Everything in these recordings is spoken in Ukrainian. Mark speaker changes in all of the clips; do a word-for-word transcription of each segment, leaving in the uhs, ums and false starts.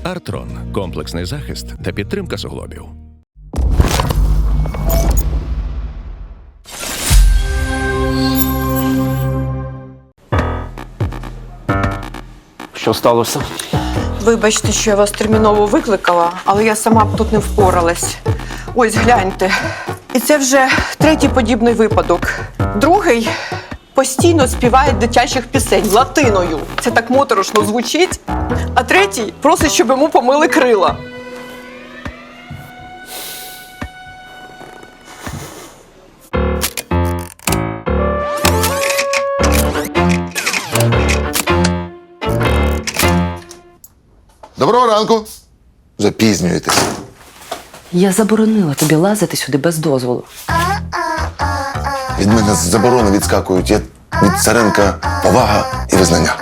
Speaker 1: Артрон – комплексний захист та підтримка суглобів.
Speaker 2: Що сталося?
Speaker 3: Вибачте, що я вас терміново викликала, але я сама б тут не впоралась. Ось, гляньте. І це вже третій подібний випадок. Другий постійно співає дитячих пісень латиною. Це так моторошно звучить. А третій просить, щоб йому помили крила.
Speaker 4: Доброго ранку. Запізнюєтесь.
Speaker 5: Я заборонила тобі лазити сюди без дозволу.
Speaker 4: Від мене з заборони відскакують. Я від Царенка повага і визнання.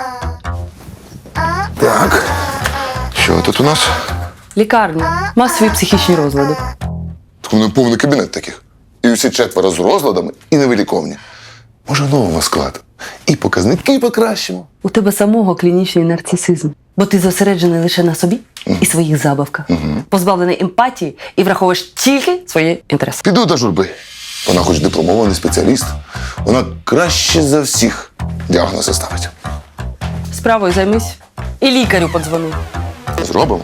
Speaker 4: Так. Що тут у нас?
Speaker 5: Лікарня. Масові психічні розлади.
Speaker 4: Так у мене повний кабінет таких. І усі четверо з розладами і невиліковні. Може, нового склад. І показники покращимо.
Speaker 5: У тебе самого клінічний нарцисизм. Бо ти зосереджений лише на собі і своїх забавках. Позбавлений емпатії і враховуєш тільки свої інтереси.
Speaker 4: Піду до журби. Вона хоч дипломований спеціаліст. Вона краще за всіх діагнози ставить.
Speaker 5: Справою займись. І лікарю подзвони.
Speaker 4: Зробимо.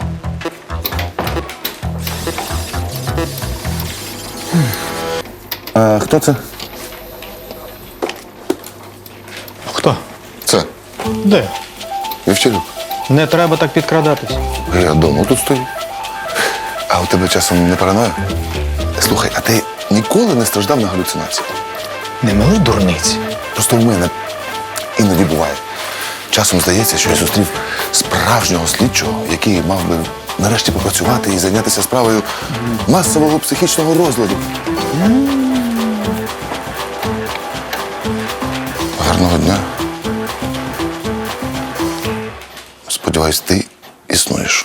Speaker 4: А хто це?
Speaker 6: Хто?
Speaker 4: Це.
Speaker 6: Де?
Speaker 4: Вівчарюк.
Speaker 6: Не треба так підкрадатись.
Speaker 4: Я давно тут стою. А у тебе часом не параноя? Слухай, а ти ніколи не страждав на галюцинації?
Speaker 6: Не мили дурниці.
Speaker 4: Просто в мене іноді буває. Часом здається, що я зустрів справжнього слідчого, який мав би нарешті попрацювати і зайнятися справою масового психічного розладу. Гарного дня. Сподіваюсь, ти існуєш.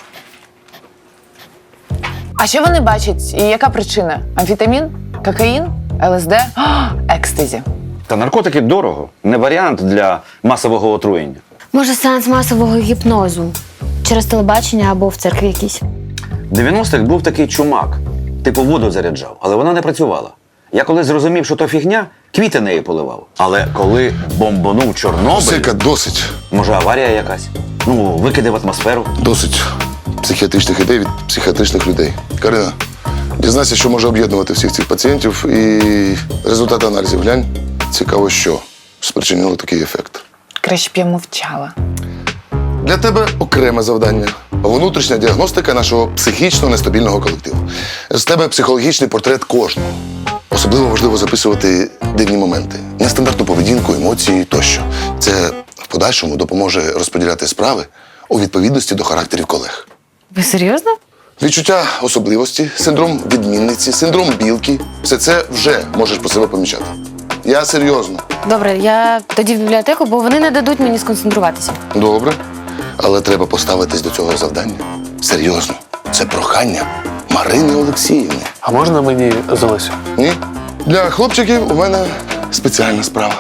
Speaker 7: А що вони бачать? І яка причина? Амфетамін? Кокаїн? ЛСД? О, екстазі.
Speaker 2: Та наркотики дорого. Не варіант для масового отруєння.
Speaker 8: Може, сеанс масового гіпнозу? Через телебачення або в церкві якійсь?
Speaker 2: В дев'яностих був такий чумак. Типу воду заряджав, але вона не працювала. Я коли зрозумів, що то фігня, квіти нею поливав. Але коли бомбанув Чорнобиль...
Speaker 4: Сика, досить.
Speaker 2: Може, аварія якась? Ну, викиди в атмосферу.
Speaker 4: Досить психіатричних ідей від психіатричних людей. Карина, дізнайся, що може об'єднувати всіх цих пацієнтів, і результати аналізів глянь. Цікаво, що спричинило такий ефект.
Speaker 7: Краще б я мовчала.
Speaker 4: Для тебе окреме завдання – внутрішня діагностика нашого психічно нестабільного колективу. З тебе психологічний портрет кожного. Особливо важливо записувати дивні моменти, нестандартну поведінку, емоції тощо. Це в подальшому допоможе розподіляти справи у відповідності до характерів колег.
Speaker 8: Ви серйозно?
Speaker 4: Відчуття особливості, синдром відмінниці, синдром білки – все це вже можеш по себе помічати. Я серйозно.
Speaker 8: Добре, я тоді в бібліотеку, бо вони не дадуть мені сконцентруватися.
Speaker 4: Добре. Але треба поставитись до цього завдання. Серйозно. Це прохання Марини Олексіївни.
Speaker 6: А можна мені з Олесю?
Speaker 4: Ні? Для хлопчиків у мене спеціальна справа.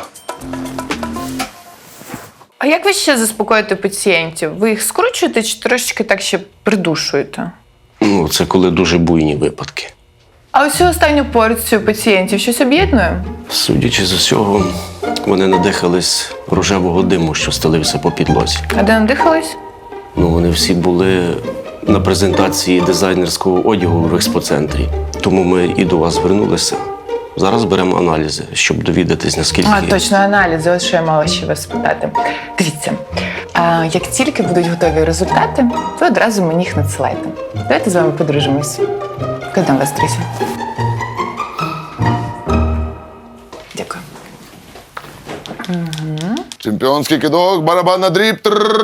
Speaker 7: А як ви ще заспокоїте пацієнтів? Ви їх скручуєте чи трошечки так ще придушуєте?
Speaker 9: Ну, це коли дуже буйні випадки.
Speaker 7: А ось цю останню порцію пацієнтів щось об'єднує?
Speaker 9: Судячи з усього, вони надихались рожевого диму, що стелився по підлозі.
Speaker 7: А де надихались?
Speaker 9: Ну, вони всі були на презентації дизайнерського одягу в експоцентрі. Тому ми і до вас звернулися. Зараз беремо аналізи, щоб довідатись, наскільки...
Speaker 7: А, точно, аналізи. Ось що я мала ще вас спитати. Дивіться, а, як тільки будуть готові результати, ви одразу мені їх надсилайте. Давайте з вами подружимось. Коли там вас зустрічі? Дякую.
Speaker 4: Чемпіонський кидок, барабан на дріб.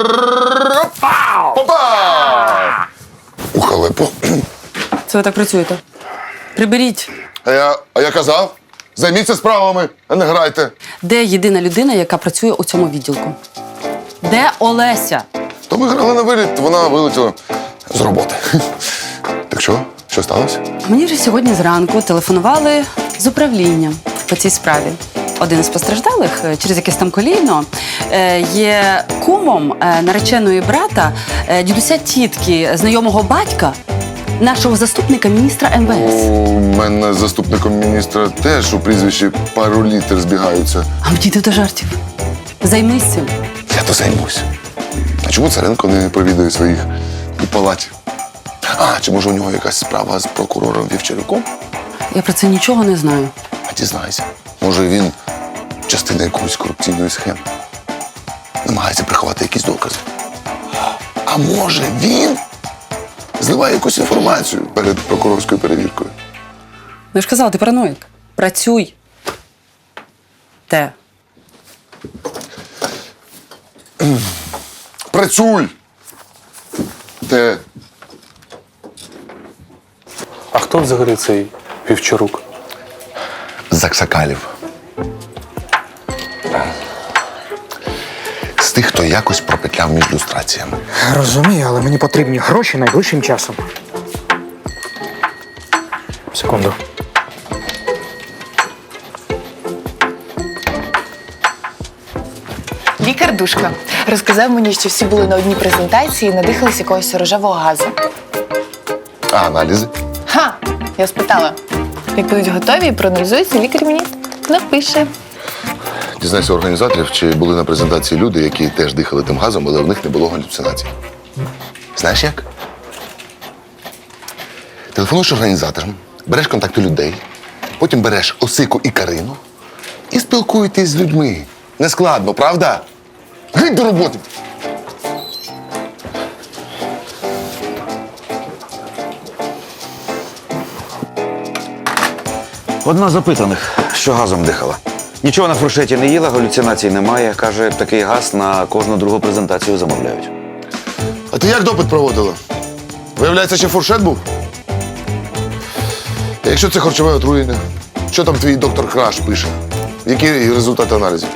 Speaker 4: Попа! У халепу.
Speaker 5: Це ви так працюєте? Приберіть.
Speaker 4: А я, а я казав, займіться справами, а не грайте.
Speaker 5: Де єдина людина, яка працює у цьому відділку? Де Олеся?
Speaker 4: То ми грали на виліт, вона вилетіла з роботи. Так що? Що сталося?
Speaker 5: Мені вже сьогодні зранку телефонували з управління по цій справі. один із постраждалих е, через якесь там коліно е, є кумом е, нареченої брата, е, дідуся тітки, знайомого батька, нашого заступника міністра ем ве ес.
Speaker 4: У мене з заступником міністра теж у прізвищі пару літер збігаються.
Speaker 5: А мені не до жартів. Займись цим.
Speaker 4: Я то займусь. А чому Царенко не провідує своїх у палаті? А, чи може у нього якась справа з прокурором Вівчарюком?
Speaker 5: Я про це нічого не знаю.
Speaker 4: А дізнайся. Може, він частина якоїсь корупційної схеми. Намагається приховати якісь докази. А може, він зливає якусь інформацію перед прокурорською перевіркою?
Speaker 5: Ну, я ж казала, ти параноїк. Працюй. Те.
Speaker 4: Працюй! Те.
Speaker 6: А хто взагалі цей Вівчарук?
Speaker 4: З Аксакалів. З тих, хто якось пропетляв між люстраціями.
Speaker 10: Розумію, але мені потрібні гроші найближчим часом. Секунду.
Speaker 7: Лікар Душка розказав мені, що всі були на одній презентації і надихались якогось рожевого газу.
Speaker 4: А аналізи?
Speaker 7: Ха! Я спитала. Як будуть готові і проаналізуються, лікар мені напише.
Speaker 4: Дізнайся у організаторів, чи були на презентації люди, які теж дихали тим газом, але в них не було галюцинацій. Знаєш як? Телефонуєш організаторам, береш контакти людей, потім береш Осику і Карину і спілкуєтесь з людьми. Нескладно, правда? Геть до роботи!
Speaker 2: Одна з опитаних, що газом дихала. Нічого на фуршеті не їла, галюцинацій немає. Каже, такий газ на кожну другу презентацію замовляють.
Speaker 4: А ти як допит проводила? Виявляється, ще фуршет був? А якщо це харчове отруєння, що там твій доктор Краш пише? Які результати аналізів?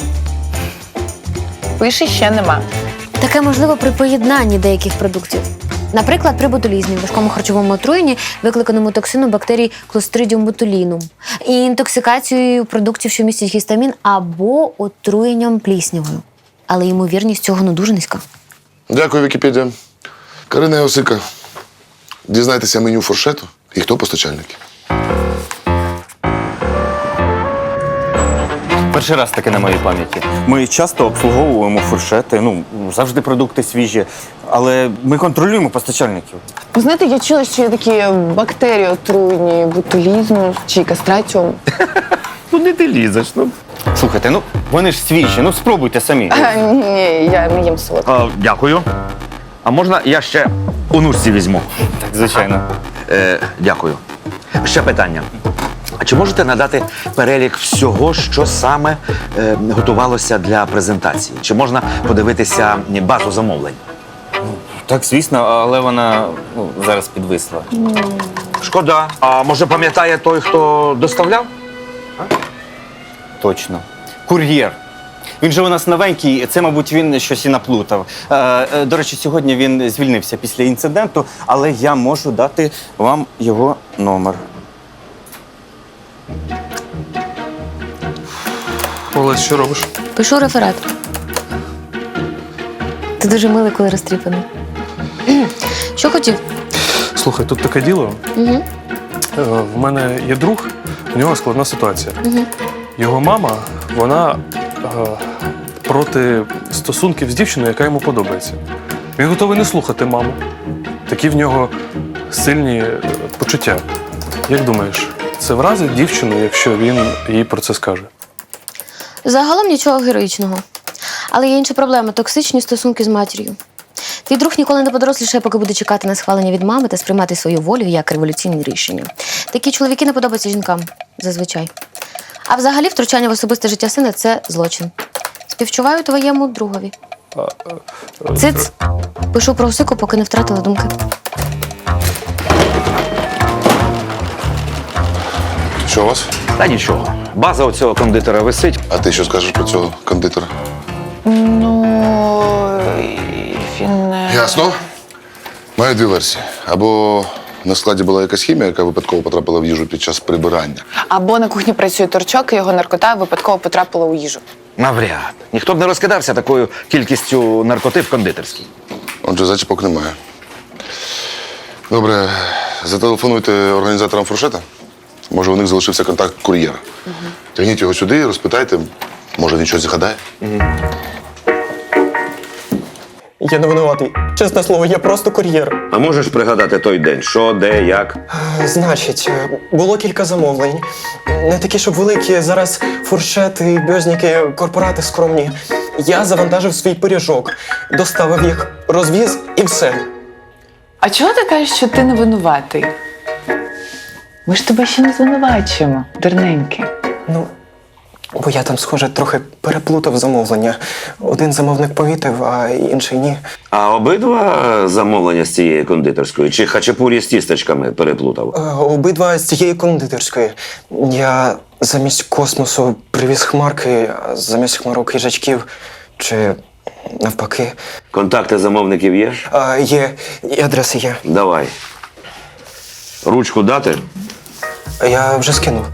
Speaker 7: Пише ще нема.
Speaker 8: Таке можливо при поєднанні деяких продуктів. Наприклад, при ботулізмі, важкому харчовому отруєнні, викликаному токсином бактерій Clostridium botulinum, і інтоксикацією продуктів, що містять гістамін, або отруєнням пліснявою. Але ймовірність цього ну дуже низька.
Speaker 4: Дякую, Вікіпедія. Карина і Осика, дізнайтеся меню фуршету і хто постачальники.
Speaker 11: Перший раз таке на моїй пам'яті. Ми часто обслуговуємо фуршети, ну, завжди продукти свіжі, але ми контролюємо постачальників.
Speaker 7: Ви знаєте, я чула, що є такі бактерії отруєнні ботулізму чи кастратіум.
Speaker 11: Ну не ти лізеш, ну. Слухайте, ну вони ж свіжі, ну спробуйте самі.
Speaker 7: А, ні, я не їм солодке.
Speaker 2: А, дякую. А можна я ще у нушці візьму?
Speaker 11: Так, звичайно.
Speaker 2: Е, дякую. Ще питання. А чи можете надати перелік всього, що саме е, готувалося для презентації? Чи можна подивитися базу замовлень?
Speaker 11: Так, звісно, але вона ну, зараз підвисла.
Speaker 2: Шкода. А може пам'ятає той, хто доставляв?
Speaker 11: Точно. Кур'єр. Він же у нас новенький, це, мабуть, він щось і наплутав. Е, е, до речі, сьогодні він звільнився після інциденту, але я можу дати вам його номер.
Speaker 6: Олесь, що робиш?
Speaker 8: Пишу реферат. Ти дуже милий, коли розтріпаний. Що хотів?
Speaker 6: Слухай, тут таке діло.
Speaker 8: Угу.
Speaker 6: Е, В мене є друг, у нього складна ситуація.
Speaker 8: Угу.
Speaker 6: Його мама, вона е, проти стосунків з дівчиною, яка йому подобається. Він готовий не слухати маму. Такі в нього сильні е, почуття. Як думаєш, це вразить дівчину, якщо він їй про це скаже?
Speaker 8: Загалом нічого героїчного. Але є інша проблема – токсичні стосунки з матір'ю. Твій друг ніколи не подорослішає, поки буде чекати на схвалення від мами та сприймати свою волю як революційне рішення. Такі чоловіки не подобаються жінкам, зазвичай. А взагалі втручання в особисте життя сина – це злочин. Співчуваю твоєму другові. Циц. Пишу про Осику, поки не втратила думки.
Speaker 4: Що у вас?
Speaker 2: Та нічого. База у цього кондитера висить.
Speaker 4: А ти що скажеш про цього кондитера?
Speaker 7: Ну, він... не-
Speaker 4: Ясно. Маю дві версії. Або на складі була якась хімія, яка випадково потрапила в їжу під час прибирання.
Speaker 7: Або на кухні працює торчок, і його наркота випадково потрапила у їжу.
Speaker 2: Навряд. Ніхто б не розкидався такою кількістю наркоти в кондитерській.
Speaker 4: Отже, зачіпок немає. Добре, зателефонуйте організаторам фуршета. Може, у них залишився контакт кур'єра. Угу. Тягніть його сюди, розпитайте, може він щось згадає.
Speaker 12: Угу. Я не винуватий. Чесне слово, я просто кур'єр.
Speaker 2: А можеш пригадати той день? Що, де, як?
Speaker 12: Е, Значить, було кілька замовлень. Не такі, щоб великі. Зараз фуршети, бьозніки, корпорати скромні. Я завантажив свій пиріжок, доставив їх, розвіз і все.
Speaker 7: А чого ти кажеш, що ти не винуватий? Ми ж тебе ще не звинувачуємо, дурненький.
Speaker 12: Ну, бо я там, схоже, трохи переплутав замовлення. Один замовник помітив, а інший ні.
Speaker 2: А обидва замовлення з цієї кондитерської? Чи хачапурі з тістечками переплутав?
Speaker 12: Е, Обидва з цієї кондитерської. Я замість космосу привіз хмарки, а замість хмарок їжачків. Чи навпаки.
Speaker 2: Контакти замовників є?
Speaker 12: А, є, і адреси є.
Speaker 2: Давай. Ручку дати?
Speaker 12: Я вже скинув.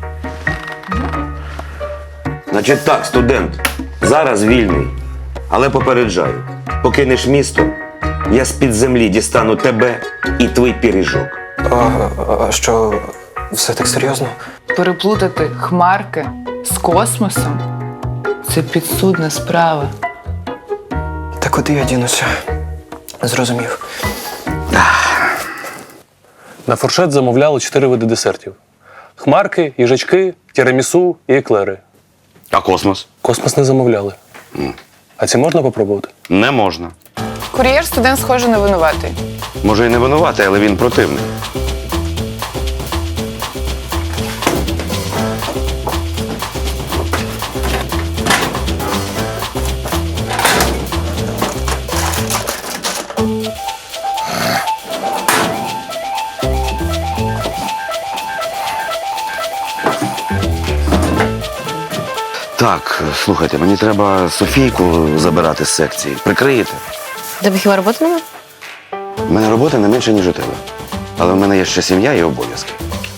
Speaker 2: Значить так, студент, зараз вільний, але попереджаю, покинеш місто, я з-під землі дістану тебе і твій пиріжок.
Speaker 12: А, а що, все так серйозно?
Speaker 7: Переплутати хмарки з космосом – це підсудна справа.
Speaker 12: Та куди я дінуся? Зрозумів.
Speaker 6: На фуршет замовляли чотири види десертів: хмарки, їжачки, тірамісу і еклери.
Speaker 2: А космос?
Speaker 6: Космос не замовляли.
Speaker 2: Mm.
Speaker 6: А ці можна попробувати?
Speaker 2: Не можна.
Speaker 7: Кур'єр студент, схоже, не винуватий.
Speaker 2: Може і не винуватий, але він противний. Так, слухайте, мені треба Софійку забирати з секції. Прикриєте?
Speaker 8: Тебе хіба роботи немає?
Speaker 2: У мене роботи не менше, ніж у тебе. Але в мене є ще сім'я і обов'язки.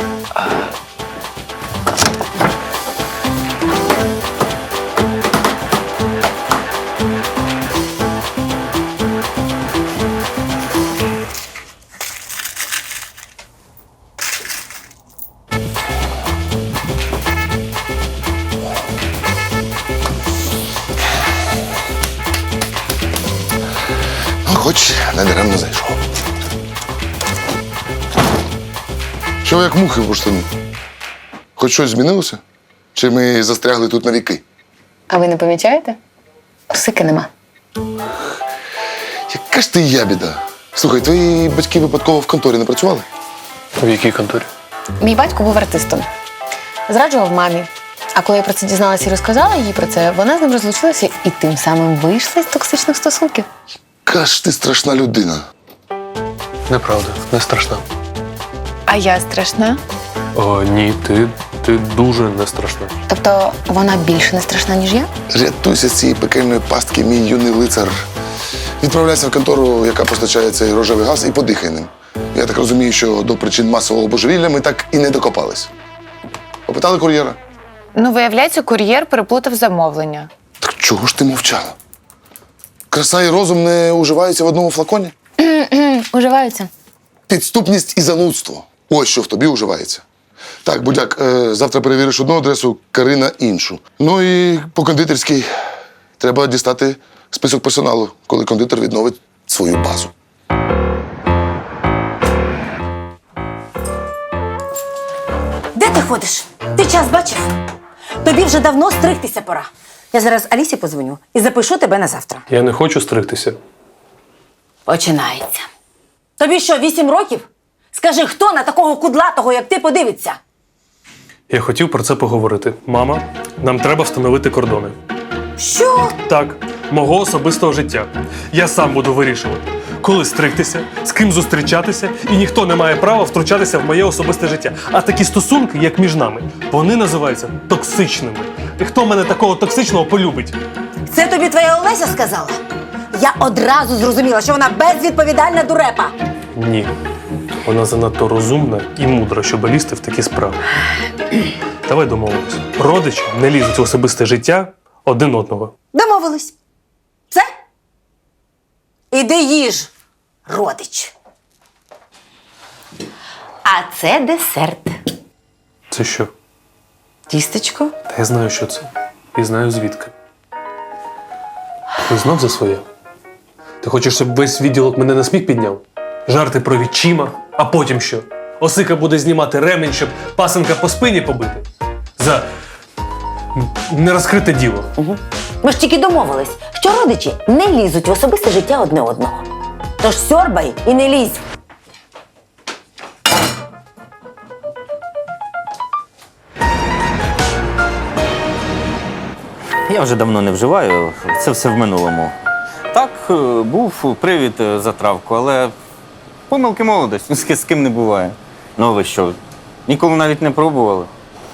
Speaker 4: Хоч не даремно зайшов. Що ви як мухи в бурштину? Хоч щось змінилося? Чи ми застрягли тут на віки?
Speaker 8: А ви не помічаєте? Псики нема.
Speaker 4: Яка ж ти ябіда? Слухай, твої батьки випадково в конторі не працювали?
Speaker 6: В якій конторі?
Speaker 8: Мій батько був артистом. Зраджував мамі. А коли я про це дізналася і розказала їй про це, вона з ним розлучилася і тим самим вийшла з токсичних стосунків.
Speaker 4: Яка ж ти страшна людина.
Speaker 6: Неправда, не страшна.
Speaker 7: А я страшна?
Speaker 6: О, ні, ти, ти дуже не страшна.
Speaker 8: Тобто вона більше не страшна, ніж я?
Speaker 4: Рятуйся з цієї пекельної пастки, мій юний лицар. Відправляйся в контору, яка постачає цей рожевий газ, і подихай ним. Я так розумію, що до причин масового божевілля ми так і не докопались. Попитали кур'єра?
Speaker 7: Ну, виявляється, кур'єр переплутав замовлення.
Speaker 4: Так чого ж ти мовчала? Краса і розум не уживаються в одному флаконі?
Speaker 8: Уживаються.
Speaker 4: Підступність і занудство. Ось що в тобі уживається. Так, будяк, е, завтра перевіриш одну адресу, Карина іншу. Ну і по кондитерській треба дістати список персоналу, коли кондитер відновить свою базу.
Speaker 13: Де ти ходиш? Ти час бачив? Тобі вже давно стригтися пора. Я зараз Алісі подзвоню і запишу тебе на завтра.
Speaker 6: Я не хочу стригтися.
Speaker 13: Починається. Тобі що, вісім років? Скажи, хто на такого кудлатого, як ти, подивиться?
Speaker 6: Я хотів про це поговорити. Мама, нам треба встановити кордони.
Speaker 13: Що?
Speaker 6: Так, мого особистого життя. Я сам буду вирішувати, коли стригтися, з ким зустрічатися, і ніхто не має права втручатися в моє особисте життя. А такі стосунки, як між нами, вони називаються токсичними. І хто мене такого токсичного полюбить?
Speaker 13: Це тобі твоя Олеся сказала? Я одразу зрозуміла, що вона безвідповідальна дурепа.
Speaker 6: Ні. Вона занадто розумна і мудра, щоб лізти в такі справи. Давай домовимось. Родичі не лізуть в особисте життя один одного.
Speaker 13: Домовились. Все? Іди їж, родич. А це десерт.
Speaker 6: Це що?
Speaker 13: Тістечко.
Speaker 6: Та я знаю, що це. І знаю звідки. Ти знов за своє? Ти хочеш, щоб весь відділок мене на сміх підняв? Жарти про відчима, а потім що? Осика буде знімати ремень, щоб пасенка по спині побити? За нерозкрите діло.
Speaker 13: Угу. Ми ж тільки домовились, що родичі не лізуть в особисте життя одне одного. Тож сьорбай і не лізь.
Speaker 11: Я вже давно не вживаю, це все в минулому. Так, е, був привід е, за травку, але помилки молодості, з ки- з ким не буває. Ну а ви що, ніколи навіть не пробували?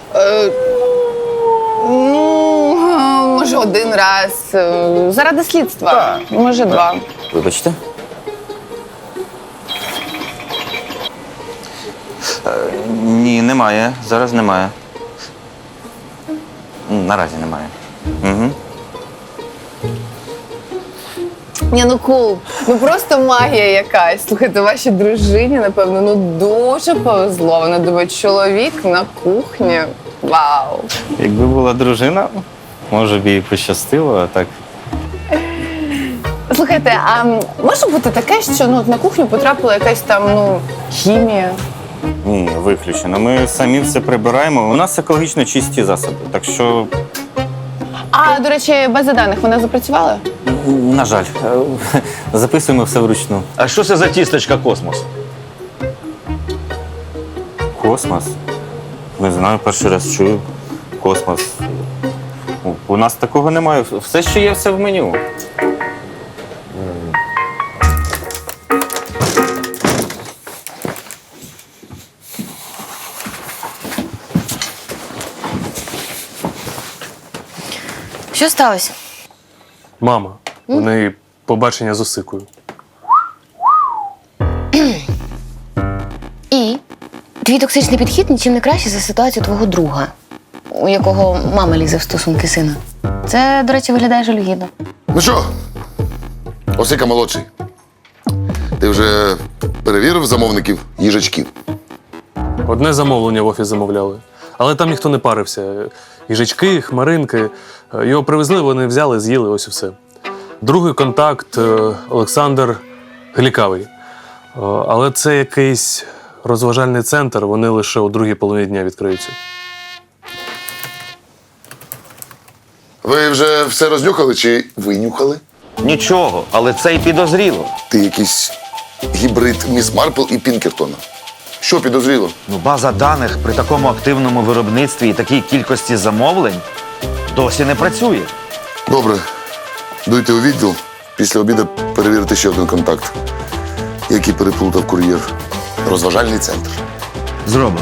Speaker 7: Ну, може, один раз. е, Заради слідства. Може, два.
Speaker 11: Вибачте. Е, ні, немає. Зараз немає. М, Наразі немає. Угу.
Speaker 7: Ні, ну кул. Ну просто магія якась. Слухайте, вашій дружині, напевно, ну дуже повезло. Вона думає, чоловік на кухні. Вау.
Speaker 11: Якби була дружина, може б їй пощастило, а так.
Speaker 7: Слухайте, а може бути таке, що ну, от на кухню потрапила якась там ну, хімія?
Speaker 11: Ні, виключено. Ми самі все прибираємо. У нас екологічно чисті засоби. Так що,
Speaker 7: А, до речі, база даних, вона запрацювала?
Speaker 11: на жаль, е, записуємо все вручну.
Speaker 2: А що це за тістечка космос?
Speaker 11: Космос? Не знаю, перший раз чую. Космос. У- У нас такого немає. Все, що є, все в меню.
Speaker 8: Що сталося?
Speaker 6: Мама, у неї побачення з Осикою.
Speaker 8: І твій токсичний підхід нічим не краще за ситуацію твого друга, у якого мама лізе в стосунки сина. Це, до речі, виглядає жалюгідно.
Speaker 4: Ну що, Осика молодший. Ти вже перевірив замовників їжачків?
Speaker 6: Одне замовлення в офіс замовляли. Але там ніхто не парився. Їжачки, хмаринки. Його привезли, вони взяли, з'їли, ось і все. Другий контакт е, Олександр Глікавий. Е, Але це якийсь розважальний центр, вони лише у другій половині дня відкриються.
Speaker 4: Ви вже все рознюхали чи винюхали?
Speaker 2: Нічого, але це й підозріло.
Speaker 4: Ти якийсь гібрид Міс Марпл і Пінкертона. Що підозріло?
Speaker 2: Ну, база даних при такому активному виробництві і такій кількості замовлень досі не працює.
Speaker 4: Добре, дуйте у відділ. Після обіду перевірити ще один контакт, який переплутав кур'єр. Розважальний центр.
Speaker 2: Зробимо.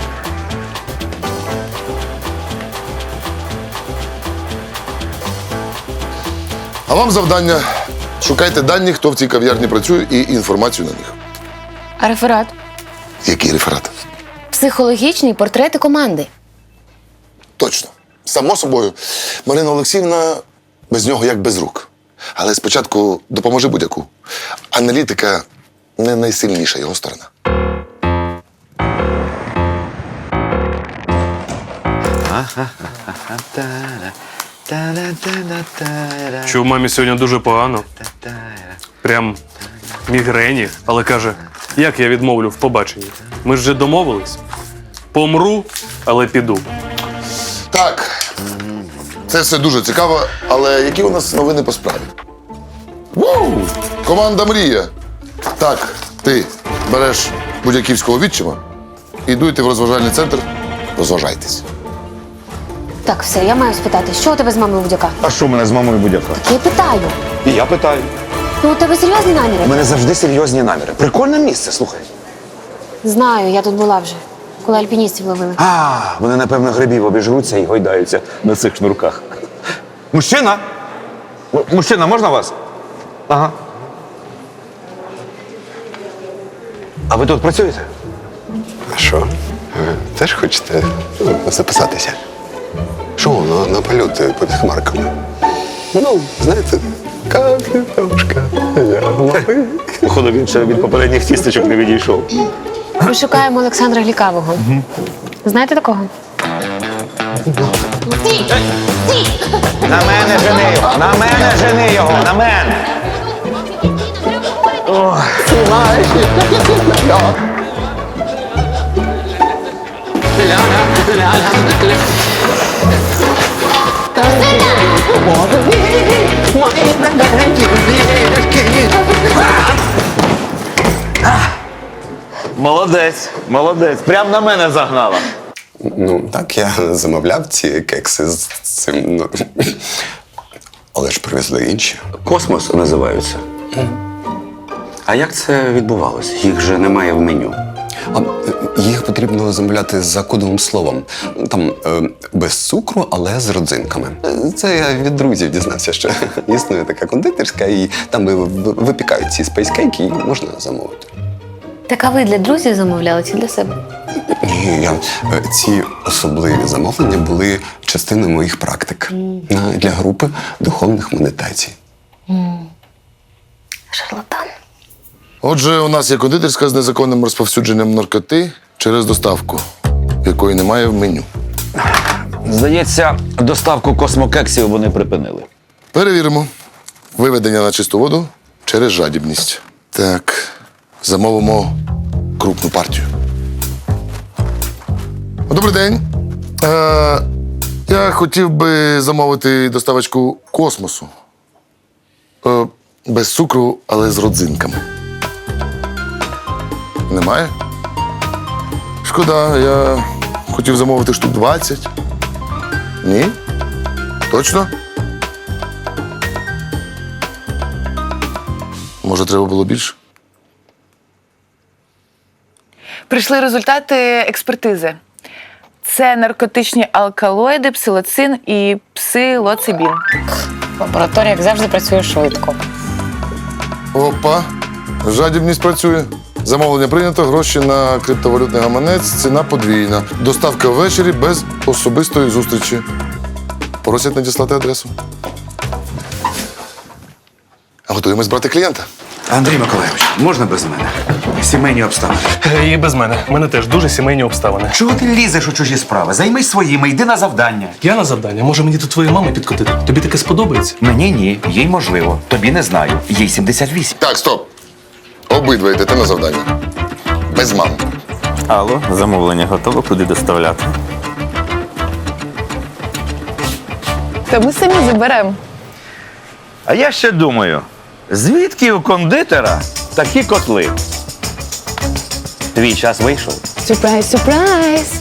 Speaker 4: А вам завдання. Шукайте дані, хто в цій кав'ярні працює, і інформацію на них.
Speaker 8: А реферат?
Speaker 4: Який реферат?
Speaker 8: Психологічні портрети команди.
Speaker 4: Точно. Само собою. Марина Олексіївна без нього як без рук. Але спочатку допоможи будь-яку. Аналітика не найсильніша його сторона.
Speaker 6: Що в мамі сьогодні дуже погано. Прям мігрені, але каже, як я відмовлю в побаченні? Ми ж вже домовились. Помру, але піду.
Speaker 4: Так, це все дуже цікаво, але які у нас новини по справі? Вау! Команда Мрія. Так, ти береш будь-яківського відчима і дуйте в розважальний центр, розважайтесь.
Speaker 8: Так, все, я маю спитати, що у тебе з мамою будь-яка?
Speaker 2: А що в мене з мамою будь-яка?
Speaker 8: Я питаю.
Speaker 2: І я питаю.
Speaker 8: Ну, у тебе серйозні наміри?
Speaker 2: У мене завжди серйозні наміри. Прикольне місце, слухай.
Speaker 8: Знаю, я тут була вже, коли альпіністів ловили.
Speaker 2: А, вони, напевно, грибів обіжруться і гойдаються на цих шнурках. Мужчина! М- Мужчина, можна вас? Ага. А ви тут працюєте?
Speaker 14: А що? Ви теж хочете ну, записатися? Що, на, на польоти під хмарками? Ну, знаєте, капітошка.
Speaker 2: Походу, він ще від попередніх тісточок не відійшов.
Speaker 8: Ми шукаємо Олександра Глікавого. Знаєте такого?
Speaker 2: На мене жени його! На мене жени його! На мене! Молодець, молодець. Прям на мене загнала.
Speaker 14: Ну, так, я замовляв ці кекси з цим. Ну, але ж привезли інші.
Speaker 2: Космос називаються. А як це відбувалося? Їх же немає в меню.
Speaker 14: А їх потрібно замовляти за кодовим словом. Там е, без цукру, але з родзинками. Це я від друзів дізнався, що існує така кондитерська, і там ви- ви- випікають ці спейскейки, і можна замовити.
Speaker 8: Так а ви для друзів замовляли чи для себе?
Speaker 14: Ні, я, е, ці особливі замовлення були частиною моїх практик на- для групи духовних медитацій.
Speaker 8: Шарлатан.
Speaker 4: Отже, у нас є кондитерська з незаконним розповсюдженням наркоти через доставку, якої немає в меню.
Speaker 2: Здається, доставку космокексів вони припинили.
Speaker 4: Перевіримо. Виведення на чисту воду через жадібність. Так, замовимо крупну партію. Добрий день. Е, я хотів би замовити доставочку космосу. Е, без цукру, але з родзинками. Немає? Шкода, я хотів замовити штук двадцять. Ні? Точно? Може, треба було більше?
Speaker 7: Прийшли результати експертизи. Це наркотичні алкалоїди, псилоцин і псилоцибін.
Speaker 13: Лабораторія, як завжди, працює швидко.
Speaker 4: Опа, жадібність працює. Замовлення прийнято, гроші на криптовалютний гаманець, ціна подвійна. Доставка ввечері без особистої зустрічі. Просять надіслати адресу. Готуємось брати клієнта.
Speaker 2: Андрій Миколайович, можна без мене? Сімейні обставини.
Speaker 6: І без мене. У мене теж дуже сімейні обставини.
Speaker 2: Чого ти лізеш у чужі справи? Займись своїми, йди на завдання.
Speaker 6: Я на завдання. Може мені до твоєї мами підкотити? Тобі таке сподобається?
Speaker 2: Мені ні, їй можливо. Тобі не знаю. Їй сімдесят вісім.
Speaker 4: Так, стоп. Обидва йдете на завдання. Без мами.
Speaker 11: Алло, замовлення готове, куди доставляти?
Speaker 7: Та ми самі заберемо.
Speaker 2: А я ще думаю, звідки у кондитера такі котли? Твій час вийшов.
Speaker 7: Сюрприз, сюрприз!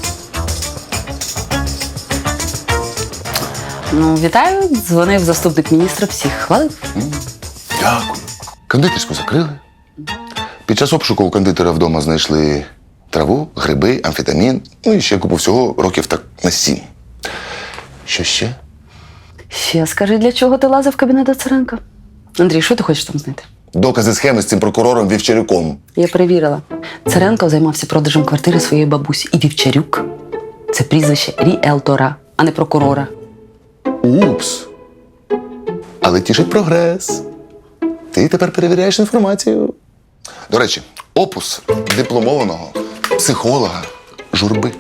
Speaker 5: Ну, вітаю, дзвонив заступник міністра, всіх хвалив.
Speaker 4: Дякую. Кондитерську закрили. Під час обшуку у кондитера вдома знайшли траву, гриби, амфетамін, ну і ще купу всього років так на сім. Що ще?
Speaker 5: Ще скажи, для чого ти лазив в кабінет до Царенка? Андрій, що ти хочеш там знайти?
Speaker 4: Докази схеми з цим прокурором Вівчарюком.
Speaker 5: Я перевірила. Царенко займався продажем квартири своєї бабусі. І Вівчарюк – це прізвище ріелтора, а не прокурора.
Speaker 4: Упс. Але тішить прогрес. Ти тепер перевіряєш інформацію. До речі, опус дипломованого психолога Журби.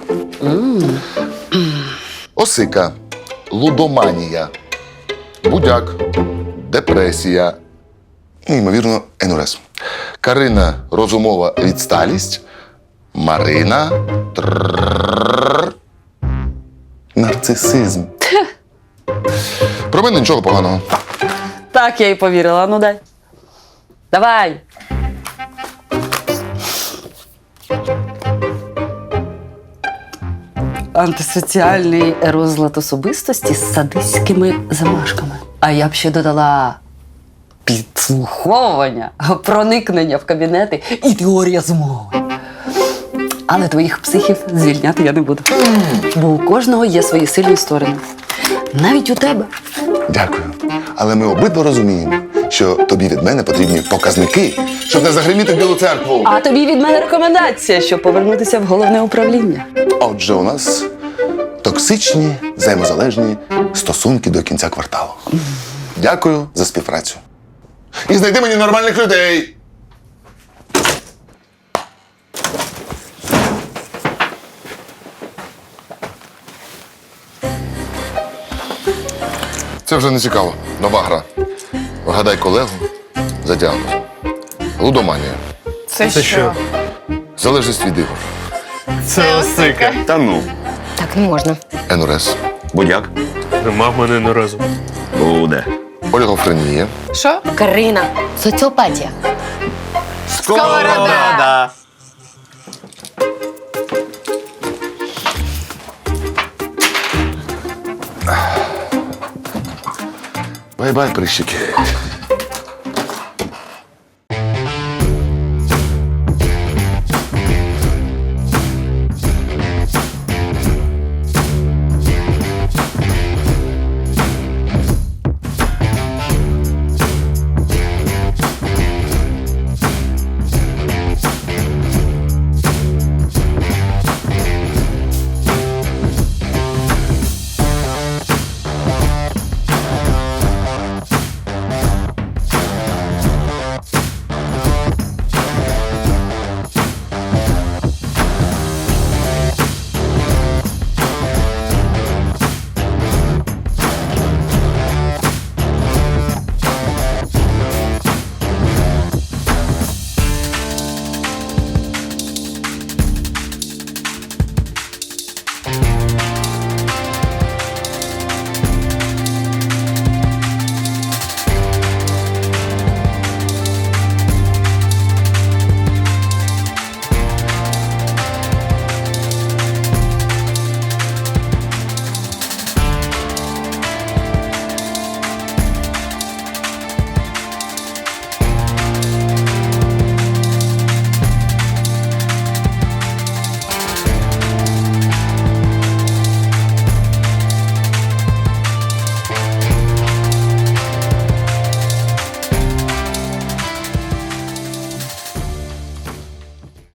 Speaker 4: Осика, лудоманія, будяк, депресія, ну, ймовірно, енурез. Карина – розумова відсталість, Марина тррррррр, нарцисизм. Про мене нічого поганого.
Speaker 5: Так, я й повірила. Ну дай. Давай. Антисоціальний розлад особистості з садистськими замашками. А я б ще додала підслуховування, проникнення в кабінети і теорія змови. Але твоїх психів звільняти я не буду. Бо у кожного є свої сильні сторони. Навіть у тебе.
Speaker 4: Дякую. Але ми обидва розуміємо, що тобі від мене потрібні показники, щоб не загриміти в Білу церкву.
Speaker 5: А тобі від мене рекомендація, щоб повернутися в головне управління.
Speaker 4: Отже, у нас токсичні, взаємозалежні стосунки до кінця кварталу. Дякую за співпрацю. І знайди мені нормальних людей. Це вже не цікаво. Нова гра. Вгадай колегу за діагнозом. Лудоманія.
Speaker 3: Це,
Speaker 6: Це що?
Speaker 4: Залежність від ігор.
Speaker 6: Це осика.
Speaker 9: Та ну,
Speaker 8: Так не можна.
Speaker 4: НРС.
Speaker 9: будяк.
Speaker 6: Нема в мене не разу.
Speaker 9: Буде.
Speaker 4: Олігофренія.
Speaker 3: Що?
Speaker 8: Карина. Соціопатія.
Speaker 9: Сковорода!
Speaker 4: Бай-бай, прищики.